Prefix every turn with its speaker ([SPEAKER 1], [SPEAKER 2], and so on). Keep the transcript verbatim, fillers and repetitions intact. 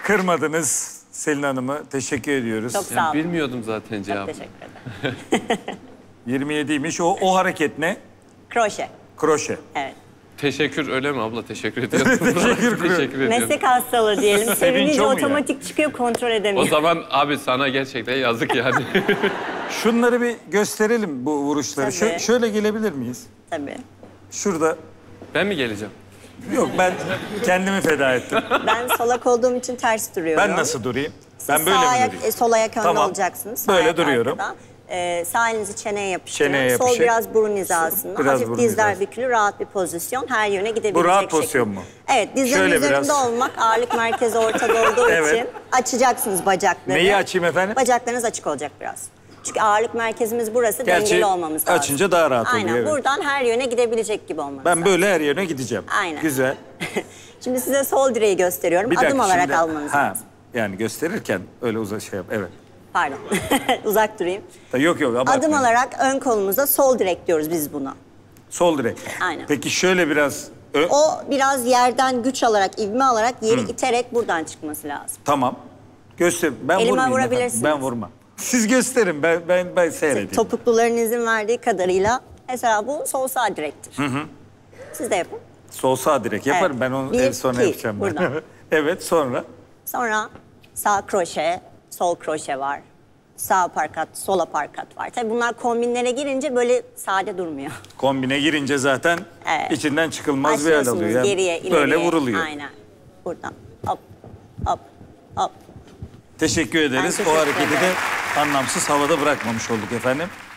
[SPEAKER 1] Kırmadınız Selin Hanım'ı. Teşekkür ediyoruz.
[SPEAKER 2] Çok sağ olun.
[SPEAKER 3] Bilmiyordum zaten cevabı.
[SPEAKER 2] Çok teşekkür ederim.
[SPEAKER 1] yirmi yediymiş. O, o hareket ne?
[SPEAKER 2] Kroşe.
[SPEAKER 1] Kroşe.
[SPEAKER 2] Evet.
[SPEAKER 3] Teşekkür öyle mi abla? Teşekkür ediyorum.
[SPEAKER 1] Teşekkür ederim.
[SPEAKER 3] Teşekkür ediyorum.
[SPEAKER 2] Meslek hastalığı diyelim. Sevinince
[SPEAKER 1] o mu
[SPEAKER 2] otomatik çıkıyor, kontrol
[SPEAKER 3] O
[SPEAKER 2] edemiyor.
[SPEAKER 3] zaman abi sana gerçekten yazık yani.
[SPEAKER 1] Şunları bir gösterelim, bu vuruşları.
[SPEAKER 2] Tabii.
[SPEAKER 1] Şö- şöyle gelebilir miyiz?
[SPEAKER 2] Tabii.
[SPEAKER 1] Şurada.
[SPEAKER 3] Ben mi geleceğim?
[SPEAKER 1] Yok, ben kendimi feda ettim.
[SPEAKER 2] Ben solak olduğum için ters duruyorum.
[SPEAKER 1] Ben nasıl durayım?
[SPEAKER 2] Siz
[SPEAKER 1] Ben böyle
[SPEAKER 2] sağ
[SPEAKER 1] mi
[SPEAKER 2] ayak,
[SPEAKER 1] durayım?
[SPEAKER 2] e, sol ayak önde
[SPEAKER 1] Tamam.
[SPEAKER 2] olacaksınız. Sağ
[SPEAKER 1] Böyle
[SPEAKER 2] ayak
[SPEAKER 1] duruyorum.
[SPEAKER 2] arkada. Ee, sağ elinizi çeneye yapıştırın.
[SPEAKER 1] Çeneye
[SPEAKER 2] Sol
[SPEAKER 1] yapışık.
[SPEAKER 2] biraz burun hizasında.
[SPEAKER 1] Biraz
[SPEAKER 2] Hafif
[SPEAKER 1] burun
[SPEAKER 2] dizler
[SPEAKER 1] hizası.
[SPEAKER 2] bükülü, rahat bir pozisyon. Her yöne gidebilecek
[SPEAKER 1] Bu rahat
[SPEAKER 2] şekilde.
[SPEAKER 1] pozisyon mu?
[SPEAKER 2] Evet, dizlerin
[SPEAKER 1] Şöyle
[SPEAKER 2] üzerinde
[SPEAKER 1] biraz.
[SPEAKER 2] olmak, ağırlık merkezi ortada olduğu
[SPEAKER 1] Evet.
[SPEAKER 2] için açacaksınız bacakları.
[SPEAKER 1] Neyi açayım efendim?
[SPEAKER 2] Bacaklarınız açık olacak biraz. Çünkü ağırlık merkezimiz burası,
[SPEAKER 1] Gerçi
[SPEAKER 2] dengeli olmamız lazım.
[SPEAKER 1] açınca daha rahat oluyor,
[SPEAKER 2] Aynen,
[SPEAKER 1] evet.
[SPEAKER 2] buradan her yöne gidebilecek gibi olmanız
[SPEAKER 1] Ben
[SPEAKER 2] lazım.
[SPEAKER 1] böyle her yöne gideceğim.
[SPEAKER 2] Aynen.
[SPEAKER 1] Güzel.
[SPEAKER 2] Şimdi size sol direği gösteriyorum.
[SPEAKER 1] Bir
[SPEAKER 2] Adım
[SPEAKER 1] dakika,
[SPEAKER 2] olarak
[SPEAKER 1] şimdi-
[SPEAKER 2] almanız
[SPEAKER 1] ha,
[SPEAKER 2] lazım.
[SPEAKER 1] Yani gösterirken öyle uza şey yap. Evet.
[SPEAKER 2] Pardon. Uzak durayım.
[SPEAKER 1] Yok yok, abartmayın.
[SPEAKER 2] Adım olarak ön kolumuza sol direk diyoruz biz buna.
[SPEAKER 1] Sol direk.
[SPEAKER 2] Aynen.
[SPEAKER 1] Peki şöyle biraz... Ö-
[SPEAKER 2] O biraz yerden güç alarak, ivme alarak yeri iterek buradan çıkması lazım.
[SPEAKER 1] Tamam. Göster. Ben
[SPEAKER 2] Elime
[SPEAKER 1] vurmayayım
[SPEAKER 2] vurabilirsiniz.
[SPEAKER 1] efendim. Ben vurmam. Siz gösterin. Ben ben ben seyredeyim.
[SPEAKER 2] Topukluların izin verdiği kadarıyla mesela bu sol sağ direktir. Hı hı. Siz de yapın.
[SPEAKER 1] Sol sağ direk yaparım.
[SPEAKER 2] Evet.
[SPEAKER 1] Ben onu
[SPEAKER 2] Bir,
[SPEAKER 1] en sonra
[SPEAKER 2] iki,
[SPEAKER 1] yapacağım. ben.
[SPEAKER 2] buradan.
[SPEAKER 1] Evet, sonra
[SPEAKER 2] Sonra sağ kroşe, sol kroşe var. Sağ aparkat, sol aparkat var. Tabii bunlar kombinlere girince böyle sade durmuyor.
[SPEAKER 1] kombine girince zaten
[SPEAKER 2] Evet.
[SPEAKER 1] içinden çıkılmaz bir hal
[SPEAKER 2] Başlıyorsunuz
[SPEAKER 1] alıyor. Yani
[SPEAKER 2] geriye, ileriye.
[SPEAKER 1] böyle vuruluyor.
[SPEAKER 2] Aynen. Buradan. Hop, hop, hop.
[SPEAKER 1] Teşekkür ederiz.
[SPEAKER 2] Ben teşekkür
[SPEAKER 1] o hareketi
[SPEAKER 2] ederim.
[SPEAKER 1] de anlamsız havada bırakmamış olduk efendim.